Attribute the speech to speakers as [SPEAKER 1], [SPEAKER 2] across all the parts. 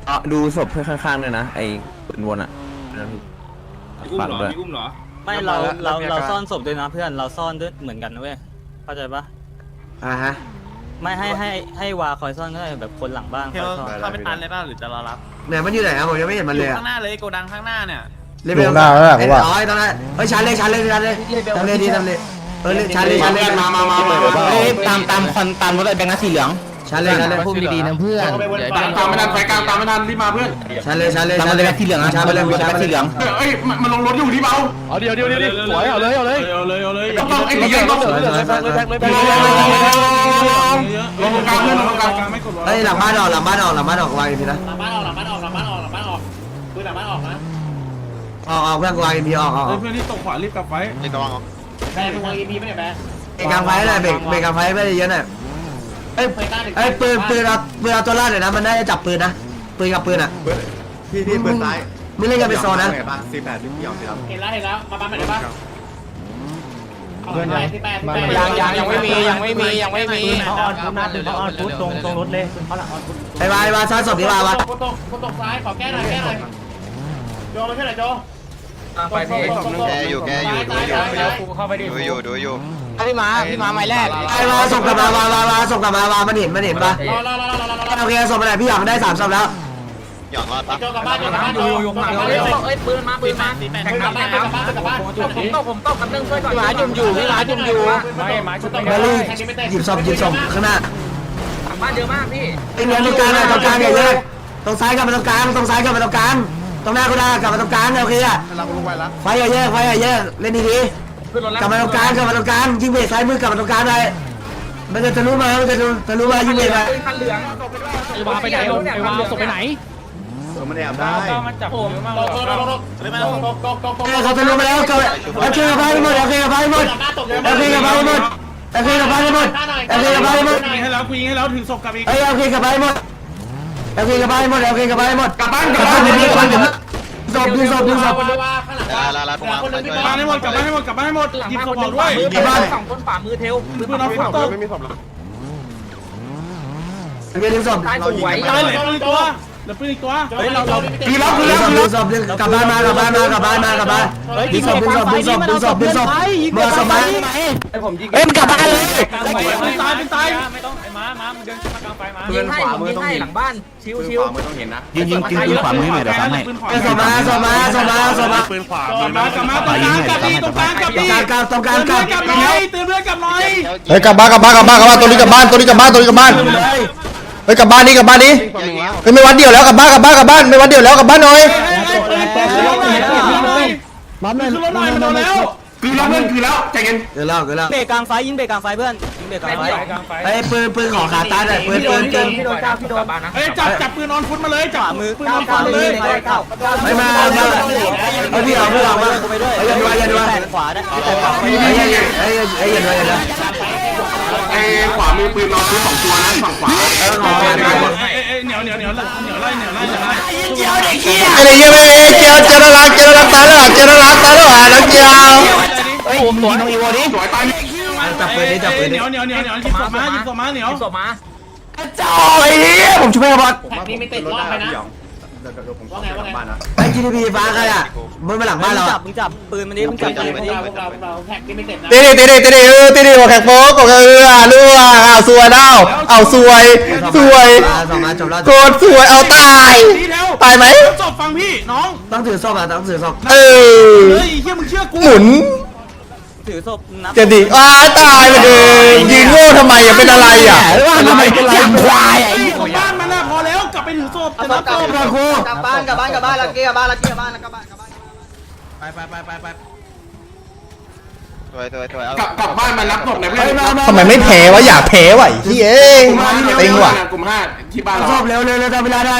[SPEAKER 1] ดูศพเพื่อนข้างๆด้วยนะไอ้ปืนวนอ่ะฝากด้วย
[SPEAKER 2] มีอุ้มเหรอ
[SPEAKER 3] ไม่เราซ่อนศพด้วยนะเพื่อนเราซ่อนด้วยเหมือนกันนะเว้ยเข้าใจปะ
[SPEAKER 4] ฮะ
[SPEAKER 3] ไม่ให้วาคอยซ่อนก็ได้แบบคนหลังบ้านคอยซ่อน
[SPEAKER 2] เข้าไปตันเลยป่ะหรือจะรอรับ
[SPEAKER 4] เนี่ยมันอยู่ไหนอะผมยังไม่เห็นมันเลย
[SPEAKER 2] ข้างหน้าเลยโกดังข้างหน้าเนี่ย
[SPEAKER 5] อยู่หน้าแล้วผมว่า
[SPEAKER 4] ตอนนั้นเฮ้ยชันเลยทำเลยดีชันเลย
[SPEAKER 1] ตามคอนตามรถไอ้แบงค์นะสีเหลือง
[SPEAKER 4] ชันเลย
[SPEAKER 1] พูดดีๆนะเพื่อนตามไม่ทันไฟกลางตามไม่ทันรีบมาเพื่อน
[SPEAKER 4] ชันเลย
[SPEAKER 1] ตามมาเลยแบงค์สีเหลืองนะมาเลยแบงค์สีเหลืองเอ้ยมันลงรถอยู่ที่เบา
[SPEAKER 5] เอาเดี๋ยวสวยเอาเลย
[SPEAKER 1] ต้องไอ้ตีเยอะต้องลงกลางเพื่อนลงกลางไม่กด
[SPEAKER 4] เฮ้ยหลังบ้านออกวางอีพีนะ
[SPEAKER 2] หลังบ้านออกปืนหลังบ้านออกนะ
[SPEAKER 4] ออกเพื่อนวางอีพีออก
[SPEAKER 2] เพื่อนที่ตกขวารีบกลับไฟรีบกลับวางแบงค์วาง EP ไม่ได้แบงค์
[SPEAKER 4] เบรกกลางไฟหน่อยเบรกกลางไฟไม่ได้เยอะหน่อยเอ้ยปืนเอาตัวรอดหน่อยนะมันได้จับปืนนะปืนกับปืนอ่ะ
[SPEAKER 6] พี่ปืนซ้าย
[SPEAKER 4] ไม่เล่นกันเป็นโซนนะ
[SPEAKER 6] 48พี่หยองสิครับ
[SPEAKER 2] เห็นแล้วมาบ้านไหนบ้างยังไม่มี
[SPEAKER 3] เขาออนฟุตนะเขาออนฟุตตรงรถเลยเขาหลังออนฟุต
[SPEAKER 4] ไอ้วาซ้ายศพดีวาวะ
[SPEAKER 2] คนตกซ้ายขอแก้หน่อยโจมาช่วยหน่อยโจ
[SPEAKER 6] แกอยู่ดูอยู่
[SPEAKER 1] พี่มาไม้แรก
[SPEAKER 4] ไอ้วาส่งกลับมาวามันเห็นปะ โอเคส่งไปไหนพี่หยองได้3ศพแล้ว
[SPEAKER 6] หยองรอดปะ
[SPEAKER 2] โจกลับบ้านอยู่ข้างหลังเอ้ยปืนมากลับบ้านผมตกกับเรื่องช่วยก่อนพี่หมาจุ่มอยู่ไม่หมาจุ่ม
[SPEAKER 4] เบลลี่หยิบศพข้างหน้า
[SPEAKER 2] บ้านเยอะมากพี่
[SPEAKER 4] ไอ้เงินตรงกลางอย่าเยอะตรงซ้ายกลับมาตรงกลางตรงหน้าก็ได้กลับมาตรงกลางโอเคอะไฟอย่าเยอะเล่นดีๆกลับมาตรงกลางยิงเบรกซ้ายมือกลับมาตรงกลางเลยมันจะรู้มายิงเบรกไป
[SPEAKER 2] คันเหลือง
[SPEAKER 3] ไอ้วาไปไหนไอ้วาศพไปไหน
[SPEAKER 6] มันแอบได้
[SPEAKER 2] มันจับผมตก
[SPEAKER 4] เขาจะรู้มาแล้วโอเคกับไปหมด
[SPEAKER 2] ให้แล้วถึงศพกับอีก
[SPEAKER 4] โอเคกับไปหมดกลับบ้านศพดึงศพ
[SPEAKER 6] ลาลาลาตรงมา
[SPEAKER 2] บ้านให้หมดกลับบ้านให้หมดหยิบศพออกด้วย
[SPEAKER 3] สองคนฝ่ามือเทล
[SPEAKER 2] ปืนน้องฝนตก
[SPEAKER 4] ดึงศพ
[SPEAKER 6] เรายิง
[SPEAKER 2] เหลือปืนอีกตัวเฮ้ยเรา
[SPEAKER 4] ดึงศพกลับบ้านดึงศพเมื่อสมัย
[SPEAKER 1] เอ้ยมันกลับบ้านเลย
[SPEAKER 2] เป็นตาย
[SPEAKER 3] ไม่ต้องไอ้ม้ามึงเดินขึ้นมากลางไฟมา
[SPEAKER 6] ปืนขวามือต้องเห็น
[SPEAKER 3] หลังบ้านชิว
[SPEAKER 6] ขวามือต้องเห็นนะ
[SPEAKER 1] ยิงปืนขวามือหน่อยเดี๋ยวทำให้
[SPEAKER 4] สมา
[SPEAKER 2] ปืนขวากลับมาตรงกลางกลับดีตรงกลางกลับดี
[SPEAKER 4] ตรงกลาง
[SPEAKER 2] เตือนเพื่อนกลับหน่อย
[SPEAKER 5] เฮ้ยกลับบ้านตัวนี้กลับบ้านเฮ้ยกลับบ้านนี้เฮ้ยไม่วัดเดียวแล้วกลับบ้านไม่วัดเดียวแล้วกลับบ้านหน่อย
[SPEAKER 2] คือรถหน่อยมันโดนแล้ว
[SPEAKER 1] คือแล้วใจเย็น
[SPEAKER 4] เกิดแล้ว
[SPEAKER 3] เบรกกลางไฟยิงเบรกกลางไฟเพื่อนยิงเบรกกลางไฟ
[SPEAKER 4] ไอ้ปืนขอขาตาหน่อยปืน
[SPEAKER 3] พี่โดนบ้านนะ
[SPEAKER 2] เฮ้ยจับปืนออนฟุตมาเลยจับ
[SPEAKER 3] มือ
[SPEAKER 2] ปืนออนฟุตมาเลย
[SPEAKER 4] ไม่มาพี่เอามา
[SPEAKER 3] ไปด้วยขวาได้
[SPEAKER 1] ไอ้ขวามือปืนนอนซื้อ2ตัวนะฝั่งขวา
[SPEAKER 2] เหนียวไล่
[SPEAKER 5] อะไรเงี้ยไม่เจียวน่ารักตายแล้วน้องเจียว
[SPEAKER 1] เฮ้ยผมหลวนตรงอีโวดิสวยตาย
[SPEAKER 4] จับปืนนี้
[SPEAKER 2] เหนียวหยิบศพมาเหนียว
[SPEAKER 4] จ่อยผมช่วยบอล
[SPEAKER 2] นี่ไม่ติดรอบไปนะ
[SPEAKER 6] ผมขอไปบ้านนะ
[SPEAKER 4] ไอ้ GDP ฟ้าใครอ่ะมันมาหลังบ้านเรา
[SPEAKER 3] มึงจับปืนมันนี้มึงจับปืนมันนี้
[SPEAKER 2] เราแท็กนี่ไม่ติดนะ
[SPEAKER 5] ตีหัวแขกโป๊กรั่วเอาสวยเอาสวย
[SPEAKER 4] สองมาจบแล้ว
[SPEAKER 5] โคตรสวยเอาตายไหม
[SPEAKER 2] ศพฟังพี่น้อง
[SPEAKER 4] ต้องถือศพต้องถือศพ
[SPEAKER 5] เฮ้ย
[SPEAKER 2] เฮียมึงเชื่อกู
[SPEAKER 5] หมุน
[SPEAKER 3] ถือศพนับ
[SPEAKER 5] จะดิตายไปเลยยิงโง่ทำไมเป็นอะไรอ่ะทำไมเป็นอย่างควาย
[SPEAKER 2] ของบ้านมันน่ะพอแล้วกลับไปถือศพจะนับศพ
[SPEAKER 4] กลับบ้านแล้วไป
[SPEAKER 6] ตัวเอา
[SPEAKER 1] กลับบ้านมารับศพในเพื่อน
[SPEAKER 5] ทำไมไม่แพ้วะอยากแพ้วะเฮ้ยเต็งว่ะ
[SPEAKER 1] กลุ่ม5ที่บ้านเรา
[SPEAKER 4] ศพเร็วทำเวลาได้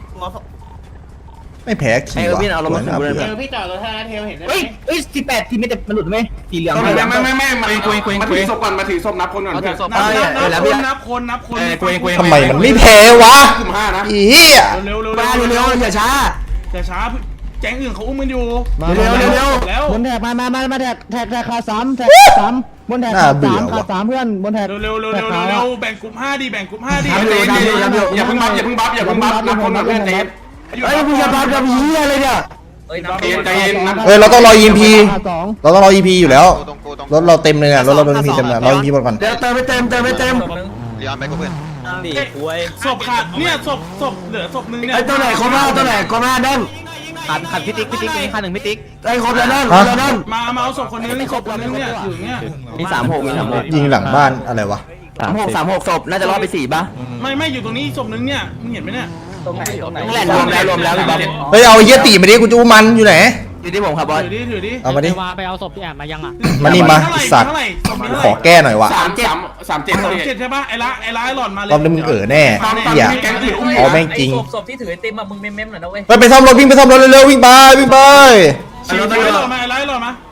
[SPEAKER 5] ไม่แพ้ขี่ว่ะ
[SPEAKER 2] พี่จอดรถแท้เทลเห็นได้ไหม
[SPEAKER 1] เฮ้ย18ทีไม่แต่มันหลุดไหมสีเหลืองไม่มาถือศพก่อนมาถือศพนับคนก่อนเพื่อน
[SPEAKER 2] นับคน
[SPEAKER 5] ทำไมมันไม่แพ้วะ
[SPEAKER 1] กลุ่ม5นะ
[SPEAKER 5] อีเหี้ย
[SPEAKER 2] เร็ว
[SPEAKER 4] มาเร็วอย่าช้า
[SPEAKER 2] แต่ช้า
[SPEAKER 1] แก๊งอื่นเขาอุ้มกันอยู่
[SPEAKER 4] เร็ว
[SPEAKER 1] แล้ว
[SPEAKER 7] บนแท็กมาแท็กขา3แท็ก3บนแท็ก
[SPEAKER 5] น่า
[SPEAKER 7] ขา
[SPEAKER 5] เบื่อ
[SPEAKER 7] 3ขา
[SPEAKER 5] ว่ะ
[SPEAKER 7] 3เพื่อนบนแท็ก
[SPEAKER 1] เร็วแบ่งกลุ่ม5ดิแบ่งกลุ่ม5ดิ
[SPEAKER 4] อย่าเพิ่งบัฟนับคนก่อนเพื่อนใจเย็นเฮ้ยมึงจะบัฟกับเหี้ยอะไรเนี่ย
[SPEAKER 2] เอ้ยน้ำ
[SPEAKER 1] ใจเย็นนะ
[SPEAKER 5] เฮ้ยเราต้องรอ EMP
[SPEAKER 7] ขาสอง
[SPEAKER 5] เราต้องรอ EP อยู่แล้ว
[SPEAKER 6] ตรงกูตรง
[SPEAKER 5] รถเราเต็มเลยอ่ะรถเราโดน EP เต็มเลยรอ EP หมดก่อน
[SPEAKER 4] เดี๋ยวเติมไม่เต็ม
[SPEAKER 6] เลี้ยงไปกูเพื่อน
[SPEAKER 3] นั่งดิคุย
[SPEAKER 1] ศพขาดเนี่ยศพเหลือศพนึงเนี่ย
[SPEAKER 4] ไอ้ตัวไหนคมตัวไหนคมดัง
[SPEAKER 2] ขัดพี่ติ๊กนี่ขัดหนึ่งพี่ติ๊ก
[SPEAKER 4] ไอ้คมแล้วนั่ง
[SPEAKER 1] มาเอาศพคนนึงศพคนนึงเนี่ยอยู่เนี่ย
[SPEAKER 2] มี36
[SPEAKER 5] ยิงหลังบ้านอะไรวะ
[SPEAKER 2] 36ศพน่าจะรอดไป4ป่ะ
[SPEAKER 1] ไม่อยู่ตรงนี้ศพนึงเนี่ยมึงเห็นไหมเนี่ย
[SPEAKER 2] ตรงไหนนี่แหละรวมแล้วพี่บ๊อบ
[SPEAKER 5] เฮ้ยเอาไอ้เหี้ยตีมาดิกูจะอุ้มมันอยู่ไหน
[SPEAKER 2] อยู่ที่ผมครับบอส
[SPEAKER 1] ถือดิ
[SPEAKER 5] เอามาดิ
[SPEAKER 7] ไปเอาศพที่แอบมายังอ่ะ
[SPEAKER 5] มานี่มาสัตว์ขอแก้หน่อยวะ
[SPEAKER 1] 37ใช่ป่ะไอ้ละหล่อนมาเลย
[SPEAKER 5] รอบนี้มึงแน่เหี้ยเอาแม่งจริง
[SPEAKER 2] ศพที่ถือไอติมอะมึงเม้มหน่อยนะเว้ย
[SPEAKER 5] ไปซ่อมรถวิ่งไปซ่อมรถเร็วๆวิ่งไป
[SPEAKER 1] ไอ้ละหล่อนมา